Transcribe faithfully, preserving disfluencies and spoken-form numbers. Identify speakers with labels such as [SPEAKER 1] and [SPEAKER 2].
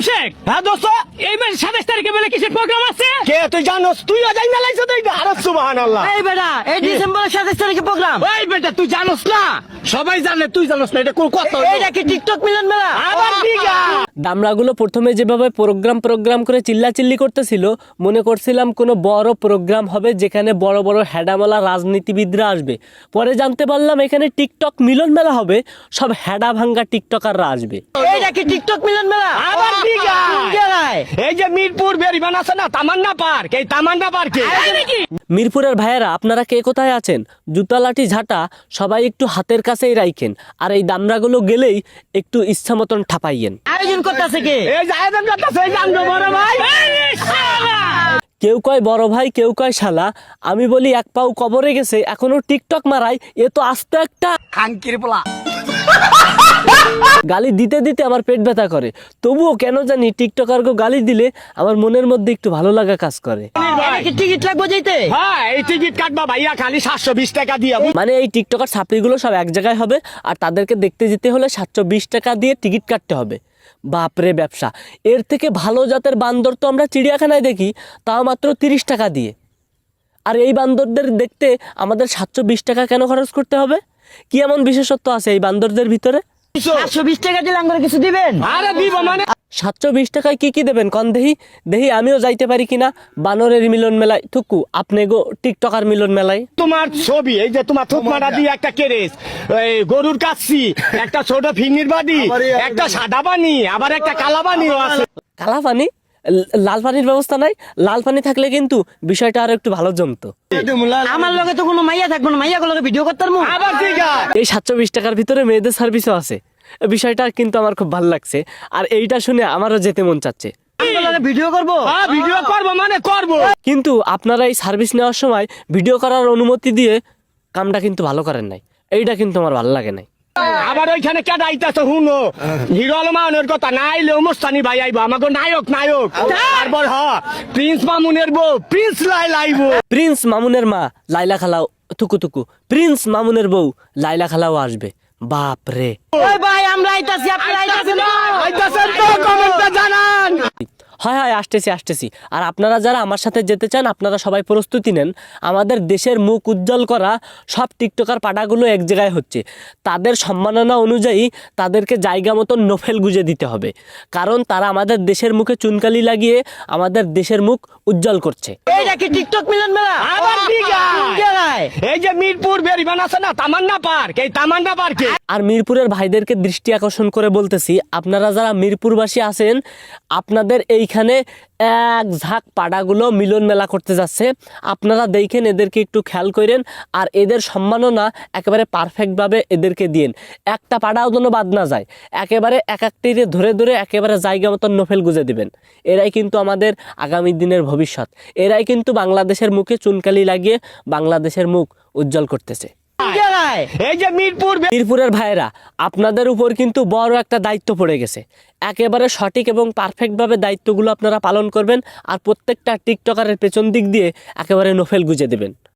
[SPEAKER 1] শেখ,
[SPEAKER 2] হ্যাঁ দোস্ত,
[SPEAKER 1] এই মাসে সাতাশ তারিখে বলে কিসের প্রোগ্রাম আছে?
[SPEAKER 2] কে তুই জানোস? তুইও যাই না লাইছো তুই? আরে সুবহানাল্লাহ।
[SPEAKER 3] এই বেটা, এই ডিসেম্বরের সাতাশ তারিখে প্রোগ্রাম।
[SPEAKER 1] ওই বেটা তুই জানোস না? সবাই জানে, তুই জানোস না? এটা কোন কথা হলো?
[SPEAKER 3] এইটা কি টিকটক মিলন মেলা?
[SPEAKER 2] আবার দিগা
[SPEAKER 4] দামড়াগুলো প্রথমে যেভাবে প্রোগ্রাম প্রোগ্রাম করে চিল্লাচিল্লি করতেছিল, মনে করছিলাম কোনো বড় প্রোগ্রাম হবে যেখানে বড় বড় হেডামালা রাজনীতিবিদরা আসবে। পরে জানতে পারলাম এখানে টিকটক মিলন মেলা হবে, সব হেডা ভাঙ্গা টিকটকাররা আসবে।
[SPEAKER 3] এইটা কি টিকটক মিলন মেলা?
[SPEAKER 2] আবার দিগা
[SPEAKER 3] কোন জায়গায়?
[SPEAKER 2] এই যে মিরপুর বেরিবান আছে না, তামান্না পার্ক, এই তামান্না পার্কে।
[SPEAKER 4] মিরপুরের ভাইয়েরা আপনারা কে কোথায় আছেন? জুতা লাঠি ঝাঁটা সবাই একটু হাতের কাছেই রাখেন, আর এই দামড়াগুলো গেলেই একটু ইচ্ছা মতন ঠাপাইয়েন।
[SPEAKER 3] আয়োজন করতেছে কে?
[SPEAKER 2] এই যে আয়োজন করতেছে এই জানো বড় ভাই।
[SPEAKER 1] এই শালা!
[SPEAKER 4] কেউ কয় বড় ভাই, কেউ কয় শালা। আমি বলি এক পাও কবরে গেছে এখনো টিকটক মারাই, এ তো আস্তে একটা
[SPEAKER 2] খাঙ্কির পোলা।
[SPEAKER 4] গালি দিতে দিতে আমার পেট ব্যথা করে, তবুও কেন জানি টিকটকারকে গালি দিলে আমার মনের মধ্যে একটু ভালো লাগা কাজ করে।
[SPEAKER 3] এটা কি টিকিট লাগবে যাইতে?
[SPEAKER 2] হ্যাঁ, এই টিকিট কাটবা ভাইয়া খালি সাতশো বিশ টাকা দিয়ে।
[SPEAKER 4] মানে এই টিকটকার ছাত্রীগুলো সব এক জায়গায় হবে, আর তাদেরকে দেখতে যেতে হলে সাতশো বিশ টাকা দিয়ে টিকিট কাটতে হবে। বাপরে ব্যবসা! এর থেকে ভালো জাতের বান্দর তো আমরা চিড়িয়াখানায় দেখি, তাও মাত্র তিরিশ টাকা দিয়ে। আর এই বান্দরদের দেখতে আমাদের সাতশো বিশ টাকা কেন খরচ করতে হবে? কি এমন বিশেষত্ব আছে এই বান্দরদের ভিতরে?
[SPEAKER 3] একশো বিশ টাকা দিলে আমরা কিছু দিবেন?
[SPEAKER 2] আরে দিব মানে
[SPEAKER 4] সাতশো বিশ টাকায় কি কি দেবেন কন দেহি? দেহি আমিও যাইতে পারি কিনা বানরের মিলন মেলায়। থুকু আপনি গো টিকটকার মিলন মেলায়।
[SPEAKER 2] তোমার ছবি, এই যে তোমার থুকমাটা দিয়ে একটা কেরেস, এই গরুর কাচ্ছি, একটা ছোট ফিঙ্গির বাড়ি, একটা সাদা বানি, আবার একটা কালা বানিও আছে।
[SPEAKER 4] কালা পানি? ল- লাল পানির ব্যবস্থা নাই? লাল পানি থাকলে কিন্তু বিষয়টা আরো একটু ভালো জমতো।
[SPEAKER 3] আমার লগে তো কোনো মাইয়া থাকবো না, মাইয়া গুলোকে ভিডিও করতে পারবো?
[SPEAKER 2] আবার ঠিক আছে।
[SPEAKER 4] এই সাতশো বিশ টাকার ভিতরে মেয়েদের সার্ভিসও আছে, বিষয়টা কিন্তু আমার খুব ভালো লাগছে, আর এইটা শুনে আমারও যেতে মন চাচ্ছে।
[SPEAKER 3] আমার লগে ভিডিও করবো?
[SPEAKER 2] হ্যাঁ, ভিডিও করবো মানে করবো।
[SPEAKER 4] কিন্তু আপনারা এই সার্ভিস নেওয়ার সময় ভিডিও করার অনুমতি দিয়ে কামটা কিন্তু ভালো করেন নাই, এইটা কিন্তু আমার ভালো লাগে নাই।
[SPEAKER 2] আবার ওইখানে কেডা আইতাছে হুনো, হিরো আলমানের কথা না আইলে মুস্তানি ভাই আইবো, আমাকে নায়ক নায়ক। তারপর হ প্রিন্স মামুনের বউ প্রিন্স লাইলা আইবো।
[SPEAKER 4] প্রিন্স মামুনের মা লাইলা খালাও, থুকু থুকু প্রিন্স মামুনের বউ লাইলা খালাও আসবে। বাপ রে!
[SPEAKER 3] ওই ভাই আমরা আইতাছি, আপনারা আইতাছেন না?
[SPEAKER 2] আইতাছেন তো কমেন্টে জানান।
[SPEAKER 4] হয় হয় আসতেছি আসতেছি। আর আপনারা যারা আমার সাথে যেতে চান আপনারা সবাই প্রস্তুতি নেন। আমাদের দেশের মুখ উজ্জ্বল করা সব টিকটকার পাটাগুলো এক জায়গায় হচ্ছে, তাদের সম্মাননা অনুযায়ী তাদেরকে জায়গা মতো নোফেল গুজে দিতে হবে, কারণ তারা আমাদের দেশের মুখে চুনকালি লাগিয়ে আমাদের দেশের মুখ উজ্জ্বল করছে।
[SPEAKER 3] এইটা কি টিকটক মিলন মেলা?
[SPEAKER 2] আবার ঠিক
[SPEAKER 3] কোন
[SPEAKER 2] আছে।
[SPEAKER 3] জায়গায়?
[SPEAKER 2] এই যে মিরপুর বেরিবান আছে না, তামান্না পার্ক, এই তামান্না পার্কে।
[SPEAKER 4] আর মিরপুরের ভাইদেরকে দৃষ্টি আকর্ষণ করে বলতেছি, আপনারা যারা মিরপুরবাসী আছেন আপনাদের এইখানে এক ঝাঁক পাড়াগুলো মিলন মেলা করতে যাচ্ছে, আপনারা দেখেন এদেরকে একটু খেয়াল করেন, আর এদের সম্মাননা একেবারে পারফেক্টভাবে এদেরকে দিন, একটা পাড়াও যেন বাদ না যায়, একেবারে এক একটিরে ধরে ধরে একেবারে জায়গা মতন নোফেল গুজে দিবেন। এরাই কিন্তু আমাদের আগামী দিনের ভবিষ্যৎ, এরাই কিন্তু বাংলাদেশের মুখে চুনকালি লাগিয়ে বাংলাদেশের মুখ উজ্জ্বল করতেছে।
[SPEAKER 3] কোন জায়গায়?
[SPEAKER 2] এই যে মিরপুর
[SPEAKER 4] মিরপুরের ভাইয়েরা আপনাদের উপর কিন্তু বড় একটা দায়িত্ব পড়ে গেছে, একেবারে সঠিক এবং পারফেক্টভাবে দায়িত্বগুলো আপনারা পালন করবেন, আর প্রত্যেকটা টিকটকারের পেছন দিক দিয়ে একেবারে নোফেল গুজে দেবেন।